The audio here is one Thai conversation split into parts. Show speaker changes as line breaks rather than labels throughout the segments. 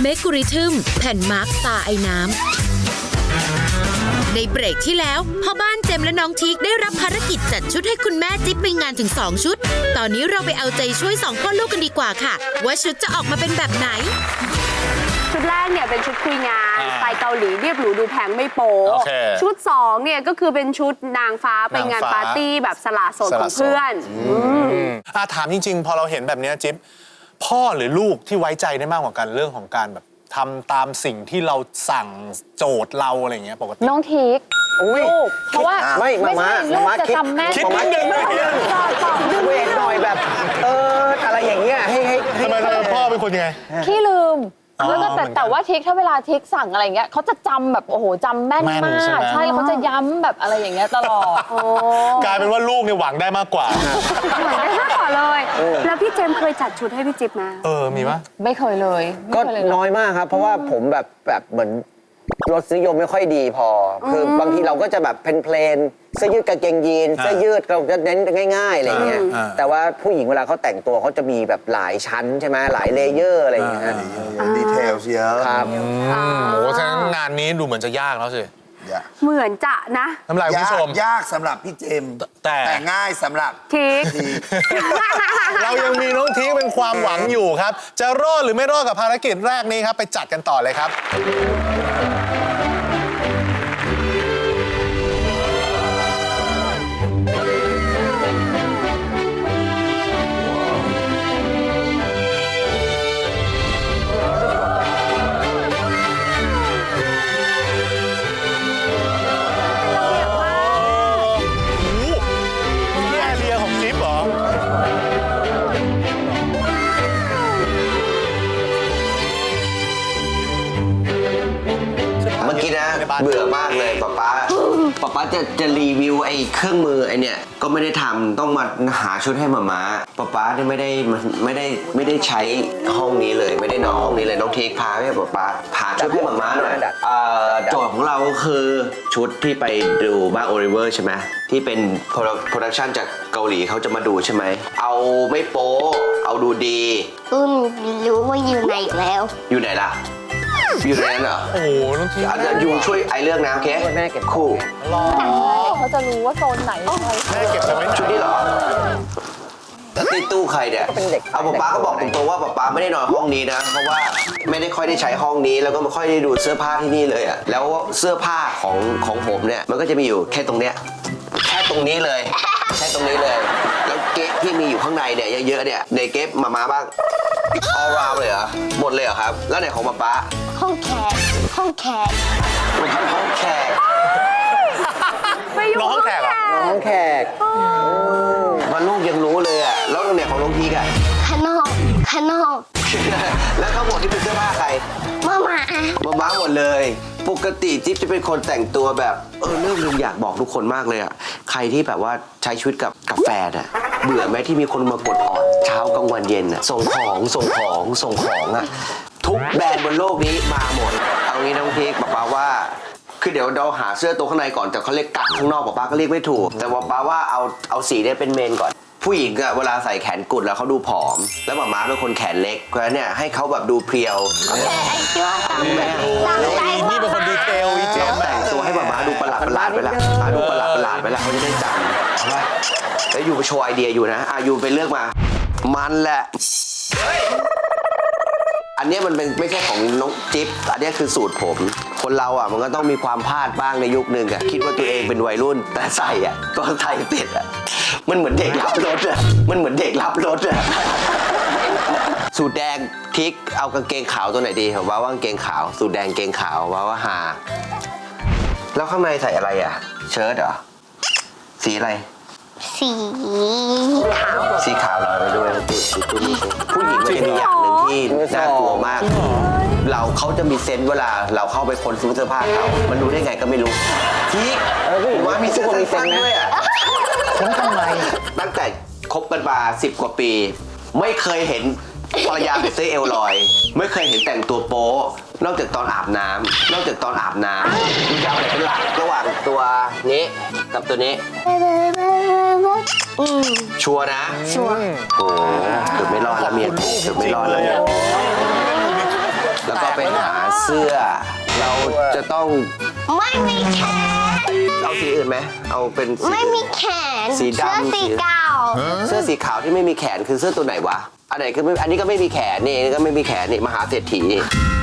เมกุริทึมแผ่นมาร์กตาไอ้น้ำในเบรกที่แล้วพ่อบ้านเจมและน้องทีกได้รับภารกิจจัดชุดให้คุณแม่จิ๊บไปงานถึง2ชุดตอนนี้เราไปเอาใจช่วย2พ่อลูกกันดีกว่าค่ะว่าชุดจะออกมาเป็นแบบไหน
ชุดแรกเนี่ยเป็นชุดคุยงานสไตล์เกาหลีเรียบหรูดูแพงไม่โป๊ชุด2เนี่ยก็คือเป็นชุดนางฟ้าไปงานปาร์ตี้แบบสละโสดของเพื่อน
ถามจริงๆพอเราเห็นแบบนี้จิ๊บพ่อหรือลูกที่ไว้ใจได้มากกว่ากันเรื่องของการแบบทำตามสิ่งที่เราสั่งโจทย์เราอะไรเงี้ยปกติ
น้องทีกลูกเพราะว่า
ไม่
ลูกจะจำแม่
คิดนิดนึง
เวทหน่อยแบบอะไรอย่างเงี้ยให้
ทำไมพ่อเป็นคนยังไง
ขี้ลืมแล้วก็แต่ว่าทิกถ้าเวลาทิกสั่งอะไรเงี้ยเขาจะจำแบบโอ้โหจำแม่นมากใช่แล้วเขาจะย้ำแบบอะไรอย่างเงี้ยตลอด
กลายเป็นว่าลูกเนี่ยหวังได้มากกว่า
หวังได้มากกว่าเลยแล้วพี่เจมเคยจัดชุดให้พี่จิ๊บไหม
มีปะ
ไม่เคยเลย
ก็น้อยมากครับเพราะว่าผมแบบเหมือนรสนิยมไม่ค่อยดีพอคือบางทีเราก็จะแบบเพลนเสื้อยืดกางเกงยีนเสื้อยืดเราจะเน้นง่ายๆอะไรเงี้ยแต่ว่าผู้หญิงเวลาเขาแต่งตัวเขาจะมีแบบหลายชั้นใช่ไหมหลายเลเยอร์อะไรอย่างเงี้ย
ดีเทลเยอะ
ครับ
โอ้ฉะนั้นงานนี้ดูเหมือนจะยากแล้วสิ
เหมือนจะนะ
น้ำลายคุณผู้ชม
ยากสำหรับพี่เจมแต่ง่ายสำหรับ
ทีก
เรายังมีน้องทีกเป็นความหวังอยู่ครับจะรอดหรือไม่รอดกับภารกิจแรกนี้ครับไปจัดกันต่อเลยครับ
เบื่อมากเลยป๊าจะรีวิวไอ้เครื่องมือไอ้เนี่ยก็ไม่ได้ทำต้องมาหาชุดให้มาป๊าเนี่ยไม่ได้ใช้ห้องนี้เลยไม่ได้นอนห้องนี้เลยน้องเทคพาให้ป๊าพาชุดให้มาหน่อยโจทย์ของเราก็คือชุดที่ไปดูบ้านโอลิเวอร์ใช่ไหมที่เป็นโปรดักชันจากเกาหลีเขาจะมาดูใช่ไหมเอาไม่โป๊เอาดูดี
รู้ว่าอยู่ไหนแล้ว
อยู่ไหนล่ะอยู่ในนั้นเหรอ
โอ้โหน้องที
อาจจะยูช่วยไอเรื่องน้ำแค่แม่เก็บคู่
เขาจะรู้ว่าโซนไหน
แม่เก็บไว้
ชุดนี้เหรอแล้วในตู้ใครเนี่ยเอาป๊าก็บอกตรงๆว่าป๊าไม่ได้นอนห้องนี้นะเพราะว่าไม่ได้ค่อยได้ใช้ห้องนี้แล้วก็ไม่ค่อยได้ดูเสื้อผ้าที่นี่เลยอ่ะแล้วเสื้อผ้าของผมเนี่ยมันก็จะมีอยู่แค่ตรงเนี้ยแค่ตรงนี้เลยแค่ตรงนี้เลยแล้วเก๊ที่มีอยู่ข้างในเนี่ยเยอะๆเนี่ยในเก๊มาบ้างall round เลยเหรอหมดเลยเหรอครับแล้วไหนของป๊า
ห้องแขก
ห้องแขก
น้องห้องแขกเหรอ
น้องห้องแขกมันลูกยังรู้เลยอ่ะแล้วไหนของน้องพีกอ่ะ
ข้างนอก
แล้วทั้งหมดที่เป็นเสื้อผ้าใคร
มา
หมดเลยปกติจิ๊บจะเป็นคนแต่งตัวแบบเรื่องนึงอยากบอกทุกคนมากเลยอ่ะใครที่แบบว่าใช้ชีวิตกับแฟนอ่ะเบื่อไหมที่มีคนมากดออดเช้ากลางวันเย็นอ่ะส่งของอ่ะทุกแบรนด์บนโลกนี้มาหมดเอางี้น้องพีกป๊าว่าคือเดี๋ยวเราหาเสื้อตัวข้างในก่อนแต่เขาเรียกกั๊กข้างนอกป๊าก็เรียกไม่ถูกแต่ป๊าว่าเอาสีเนี่ยเป็นเมนก่อนผู้หญิงอะเวลาใส่แขนกุดแล้วเขาดูผอมแล้วม้าเป็นคนแขนเล็กเพราะฉะนั้นเนี่ยให้เขาแบบดูเพรียว
นี่เป็นคนดีเทลอีเจม
แต่งตัวให้ม้าดูประหลาดไปละดูประหลาดไปละเขาจะได้จำแล้วอยู่ไปโชว์ไอเดียอยู่นะอยู่ไปเลือกมามันแหละอันนี้มันเป็นไม่ใช่ของน้องจิ๊บอันนี้คือสูตรผมคนเราอ่ะมันก็ต้องมีความพลาดบ้างในยุคนึงอ่ะคิดว่าตัวเองเป็นวัยรุ่นแต่ใส่อ่ะตอนใส่ติดอ่ะมันเหมือนเด็กรับรถอ่ะสูตรแดงทิกเอากางเกงขาวตัวไหนดีผมว่ากางเกงขาวสูตรแดงเกงขาวว่าหาแล้วข้างในใส่อะไรอ่ะเชิ้ตเหรอสีอะไรสีขาวลอยไปด้วยผู้หญิงมันจะมีอย่างหนึ่งที่น่ากลัวมากเขาจะมีเซนส์เวลาเราเข้าไปค้นซื้อเสื้อผ้าเขามันรู้ได้ไงก็ไม่รู้ทีว่ามีเสื้อสั้นด้วยอ่ะค้นทำไมตั้งแต่คบกันมา10 กว่าปีไม่เคยเห็นภรรยาใส่เสื้อเอวลอยไม่เคยเห็นแต่งตัวโป๊นอกจากตอนอาบน้ำดูจะเอาไหนเป็นหลักระหว่างตัวนี้กับตัวนี้ชัวร์นะโอ้เกือบไม่รอดแล้วเมียเกือบไม่รอดแล้วแล้วก็ไปหาเสื้อ เราจะต้อง
ไม่มีแขน
เอาสีอื่นไหมเอาเป็นสี
ไม่มีแขน
สีดำ
เสื้อสีเก่า
เสื้อสีขาวที่ไม่มีแขนคือเสื้อตัวไหนวะอันไหนคือไม่อันนี้ก็ไม่มีแขนนี่อันนี้ก็ไม่มีแขนนี่มหาเศรษฐีนี่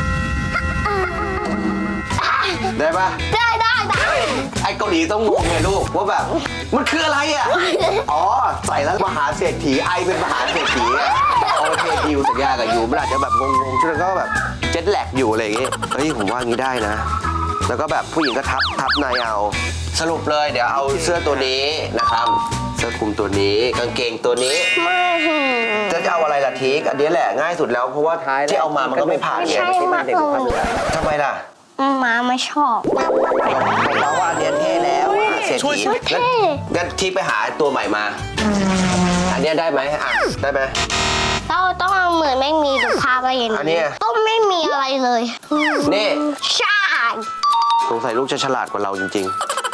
ได้ปะ
ได้
ไอ้เกาหลีต้องงงไงลูกว่าแบบมันคืออะไรอ่ะ อ๋อใส่แล้วมหาเศรษฐีไอเป็นมหาเศรษฐีอะโอเคดิวสัญญากับยูมันอาจจะแบบงงๆช่วงนั้นก็แบบเจ็ตแลกอยู่อะไรอย่างงี้เฮ้ยผมว่างี้ได้นะ แล้วก็แบบผู้หญิงก็ทับในเอาสรุปเลยเดี๋ยวเอาเสื้อตัวนี้นะครับเสื้อคลุมตัวนี้กางเกงตัวนี้
ไม่
จะเอาอะไรล่ะทีกอันนี้แหละง่ายสุดแล้วเพราะว่าที่เอามามันก็ไม่ผ่าน
ไม่
ไง
ใช่มากเลย
ทำไมล่ะ
หมาไม่ชอบ
เพราะว่าอันเนี้ยเท่แล้วเศรษ
ช่วย
ฐี
ชีวิต
งั้นทีไปหาตัวใหม่มา อันเนี้ยได้ไหมอ่ะได้ไหม
ต้องเอาเหมือนไม่มีดูภาพอะไรอย่าง
อันเนี้
นี้
ย
ต้องไม่มีอะไรเลย
นี่
ใช่
สงสัยลูกจะฉลาดกว่าเราจริง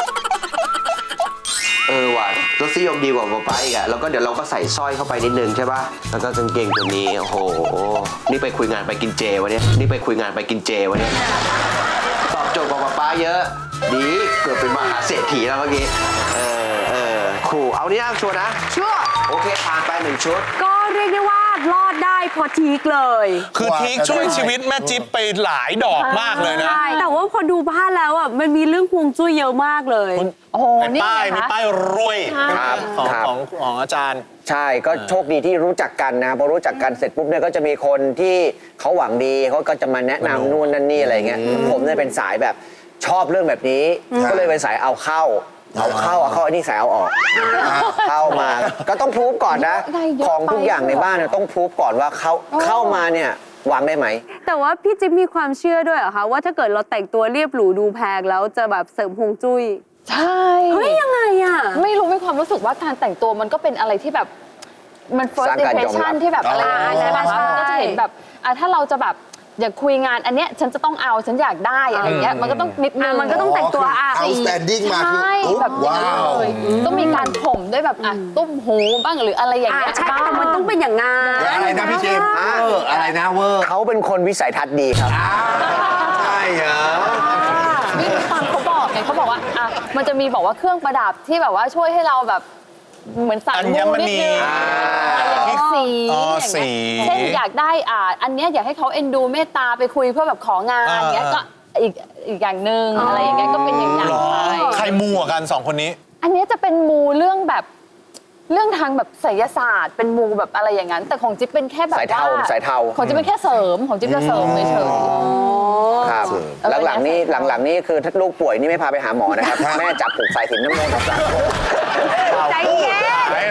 ๆ ว่ะรสนิยมดีกว่าป๊าป๊าอีกอะแล้วก็เดี๋ยวเราก็ใส่สร้อยเข้าไปนิดนึงใช่ป่ะ แล้วก็กางเกงตัวนี้ โอ้โห นี่ไปคุยงานไปกินเจวะเนี่ย นี่ไปคุยงานไปกินเจวะเนี่ย ตอบโจทย์กว่าป๊าป๊าเยอะ ดีเกือบเป็นมหาเศรษฐีแล้วเมื่อกี้ ขู่เอานี่นะชัวร์นะ
ชั่ว
โอเคผ่านไป1 ชุด
ก็เรียกได้ว่ารอดได้เพอทีกเลย
คือทีช่วยชีวิตแม่จิ๊บไปหลายดอกมากเลยนะ
ใช่แต่ว่าพอดูบ้านแล้วอ่ะมันมีเรื่องฮวงจุ้ยเยอะมากเลย
โอ้โห
ใน
นี่
ป้าย
ไง
มี
คะ
ป้ายรวย
ครับ
ของ
ครับ
ของอาจารย์
ใช่ก็โชคดีที่รู้จักกันนะพอรู้จักกันเสร็จปุ๊บเนี่ยก็จะมีคนที่เขาหวังดีเขาก็จะมาแนะนำนู่นนั่นนี่อะไรเงี้ยผมเนี่ยเป็นสายแบบชอบเรื่องแบบนี้ ก็เลยเป็นสายเอาเข้าอันนี้สายเอาออกเข้ามาก็ต้องพรูฟก่อนนะ
ได้เยอะ
ของทุกอย่างในบ้านเนี่ยต้องพรูฟก่อนว่าเข้ามาเนี่ยวางได้ไหม
แต่ว่าพี่จิ๊บมีความเชื่อด้วยเหรอคะว่าถ้าเกิดเราแต่งตัวเรียบหรูดูแพงแล้วจะแบบเสริมฮวงจุ้ย
ใช่
เฮ้ยยังไงอ่ะ
ไม่รู้มีความรู้สึกว่าการแต่งตัวมันก็เป็นอะไรที่แบบมัน
ส
first
ร้างการยอมรับ
impression ที่แบบอะไรอย่างเงี้ย
ใช่
ใช่ไหม
ใช่
คะมันก็จะเห็นแบบถ้าเราจะแบบอยากคุยงานอันเนี้ยฉันจะต้องเอาฉันอยากได้อะไรอย่างเงี้ยมันก็ต้องนิดนึง
มันก็ต้องแต่งตัว
outstanding มาคือ
ใช่
อุ๊ย
แบบอย่างนั้น
ว้าว
เลยต้องมีการผมด้วยแบบตุ้มหูบ้างหรืออะไรอย่างเงี้ย
ใช่แต่มันต้องเป็นอย่างงั้น
อะไรนะพี่เจมส์อะไรนะเวอร์
เขาเป็นคนวิสัยทัศน์ดีครับ
ใช่เหรอ
นี่ฟังเขาบอกไงเขาบอกว่ามันจะมีบอกว่าเครื่องประดับที่แบบว่าช่วยให้เราแบบเหมือนสาย
อัญ
มูนิดนึง
มณี
สี
อ๋อ
อย่าง
สี
เงี้ยเช่นอยากได้อันเนี้ยอยากให้เขาเอ็นดูเมตตาไปคุยเพื่อแบบของานอย่างเงี้ยก็อีกอย่างหนึ่งอะไรอย่างเงี้ยก็เป็นอย่าง
หรอ
ไป
ใครมัวกันสองคนนี้
อันเนี้ยจะเป็นมูเรื่องแบบเรื่องทางแบบไสยศาสตร์เป็นมูแบบอะไรอย่างนั้น แต่ของจิ๊บเป็นแค่แบบ
สายเทา
ว่า
สายเทา
ของจิ๊บเป็นแค่เสริมของจิ๊บจะเสริมเฉย
ครับ หลังๆนี่คือถ้าลูกป่วยนี่ไม่พาไปหาหมอนะครับ แม่จับผูกสายสิญจน์น้ำมันต์กับสาย
ใจเย็น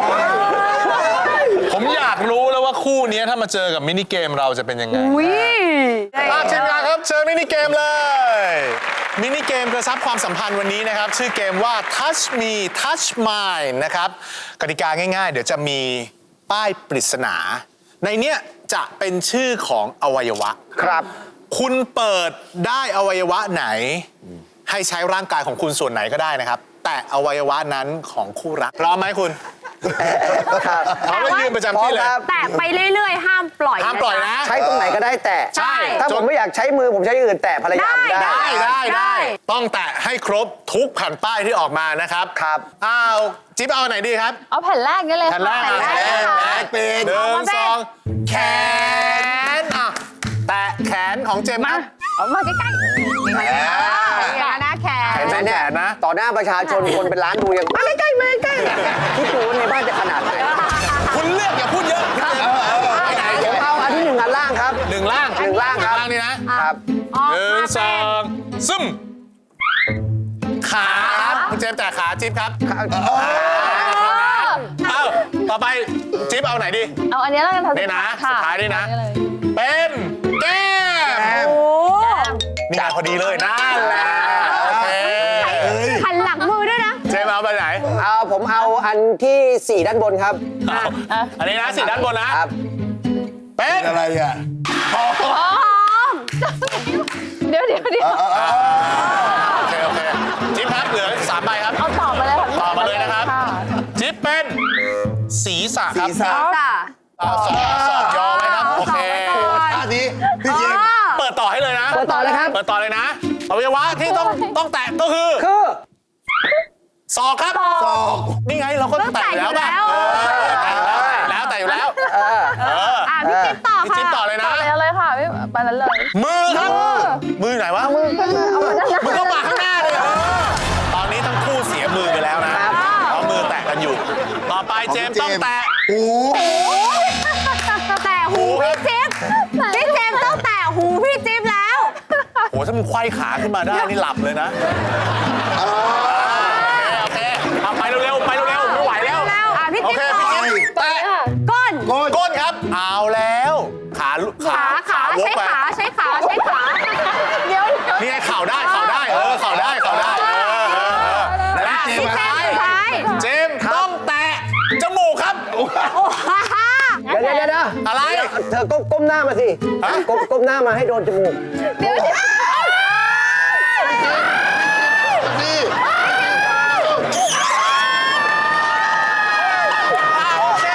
ผมอยากรู้แล้วว่าคู่นี้ถ้ามาเจอกับมินิเกมเราจะเป็นยังไง
อุ้ย
ทีมงานครับเชิญมินิเกมเลย มินิเกมกระชับความสัมพันธ์วันนี้นะครับ ชื่อเกมว่า Touch Me Touch Mine นะครับกติกาง่ายๆ เดี๋ยวจะมีป้ายปริศนา ในเนี้ยจะเป็นชื่อของอวัยวะ
ครับ
คุณเปิดได้อวัยวะไหน ให้ใช้ร่างกายของคุณส่วนไหนก็ได้นะครับ แต่อวัยวะนั้นของคู่รักพร้อมไหมคุณ
ครับ
เขาไม่ยืนประจำที่เลย
แต่ไปเรื่อยๆ ห้ามปล่อย
ห้ามปล่อยนะ
ใช้ตรงไหนก็ได้แต่
ใช่
ถ้าผมไม่อยากใช้มือผมใช้อื่นแต่ภรรยาผมได้
ได้ ต้องแตะให้ครบทุกแผ่นป้ายที่ออกมานะครับ
ครับ
อ้าวจิ๊บเอาไหนดีครับ
ๆเอาแผ่นแรกนี่เลย
แผ่นแรก
ค่ะ
แผ่นแรกเป็นหนึ่งสองแขนแตะแขนของเจมส์ครับ
เอามาใกล้ๆ
อย่างนะแขน
เห็นไหมเนี่ยนะต่อหน้าประชาชนคนเป็นล้านดูยังมาใกล้ๆมาใกล้ๆที่ดูว่าในบ้านจะขนาดไหน
คุณเลือกอย่าพูดเยอะไปไหน
ผมเอาอันที่หนึ่งอันล่างครับ
หนึ่งล่าง
หนึ่งล่างครับ
นี่นะครับ หนึ่งสองซึมขาครับคุณเจมส์แตะขาจิ๊บครับเอ้าต่อไปจิ๊บเอาไหนดี
เอาอันนี้แล้วกัน
นี่นะ
ค่
สุดท้ายนี่นะ
อัเลย
เป็นแก้ม
โอ้
นี่ไงพอดีเลยนั่นแหละโอเค
หันหลังมือด้วยนะ
เจมส์เอาไปไหน
ผมเอาอันที่ 4 ด้านบนครับ
เอาอันนี้นะสีด้านบนนะครับ เป็น
อะไรอ่ะ
เดี๋ยว
โอเคจิ๊บครับเหลือ3ใบครับ
เอาตอบมาเลยค่ะ
ตอบมาเลยนะครับ จิ๊บเป็นศีรษะครับ
ศีรษะ
จ้ะ
สอบยอไหมครับโอเค
ท่านี้พี่เจมส์
เปิก็คือศอกครับศอกนี่ไงเราก็แตะอยู่แล้ว แต่อยู่แล้ว
พี่จิ๊บต่อ
พี่
ค่ะ
จิ๊บต่อเลยนะ
ไปเลยค่ะพี่ไปนั้นเลย
มือครับ มือไหนวะ
มือขึ้นมาเอามาด้านหน้า
มือก็มาข้างหน้าเลยตอนนี้ทั้งคู่เสียมือไปแล้วนะเพราะมือแตะกันอยู่ ต่อไปเจมส์ต้องแตะ
หู
แต่หูพี่จิ๊บพี่เจมส์ต้องแตะหูพี่จิ๊บแล้ว
โหถ้ามันไขว้ขาขึ้นมาได้นี่หลับเลยนะโอเคเอาไปเร็วๆไปเร็วๆไม่ไหวแล้ว
พี่
โอ
จิ๊บ
เค
ต่อ
พี่จิ๊บแตะ
ก้น
ก้นครับ เอาแล้ว ขา
ขา
วก
ใช้
ไป
ขาใช้ขาใช้ขาเดี๋ยว
นี่ไงเข่าได้เข่าได้เข่าได้และสุดท้ายเจมส์ต้องแตะจมูกครับ
เดี๋ยว
อะไร
เธอก้มหน้ามาสิ
ฮะ
ก้มหน้ามาให้โดนจมูก
นี่
โอเค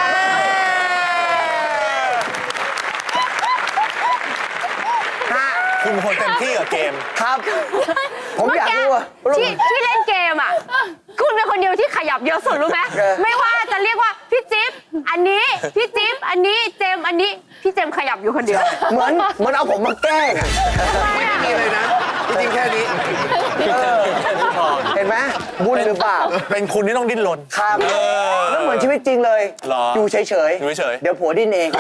คุณเป็นคนเต็มที่กับเกม
ครับ ผมอยากรู้ว่า
ที่เล่นเกมอ่ะ คุณเป็นคนเดียวที่ขยับเยอะสุดรู้ไหมไม่ว่าจะเรียกว่าพี่จิ๊บอันนี้พี่จิ๊บอันนี้เจมอันนี้พี่เจมขยับอยู่คนเดียว
เหมือนเอาผมมาแกล้งอะ
ไม่มีเลยนะจริงๆแค่นี้
เห็นไหมบุญหรือเปล่า
เป็นคุณที่ต้องดิ้นรน
ครับแล้วเหมือนชีวิตจริงเลย
หรอ
อยู่เฉย
อยู่เฉย
เดี๋ยวผัวดิ้นเอง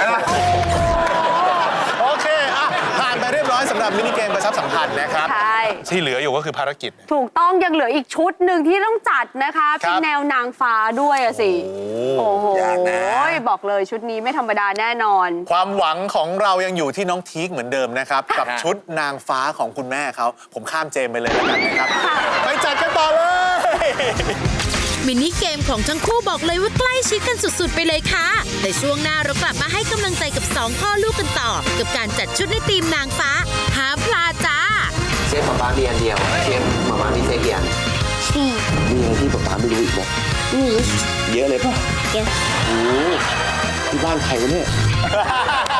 โอเคอ่ะผ่านไปเรียบร้อยสำหรับมินิเกมกระชับสัมพันธ์นะครับ
ใช่
ที่เหลืออยู่ก็คือภารกิจ
ถูกต้องยังเหลืออีกชุดหนึ่งที่ต้องจัดนะคะ
ครั
เป็น
บ
แนวนางฟ้าด้วยอะสิ โอ้โห
ยากนะ
บอกเลยชุดนี้ไม่ธรรมดาแน่นอน
ความหวังของเรายังอยู่ที่น้องทีคเหมือนเดิมนะครับ กับชุดนางฟ้าของคุณแม่เขาผมข้ามเจมไปเลยแล้วกันนะครับ ไปจัดกันต่อเลย
มินิเกมของทั้งคู่บอกเลยว่าใกล้ชิดกันสุดๆไปเลยค่ะ แต่ช่วงหน้าเรากลับมาให้กำลังใจกับ2พ่อลูกกันต่อ กับการจัดชุดในทีมนางฟ้าหาพลาจ้า
เชฟป๊ามีอันเดียว เชฟมามีเซฟกี่อัน
สี่
มีอะไรที่ป๊าไม่รู้อีกไหม
หนี
เยอะเลยป่ะ
เยอะ
โอ้ที่บ้านใครวะเนี่ย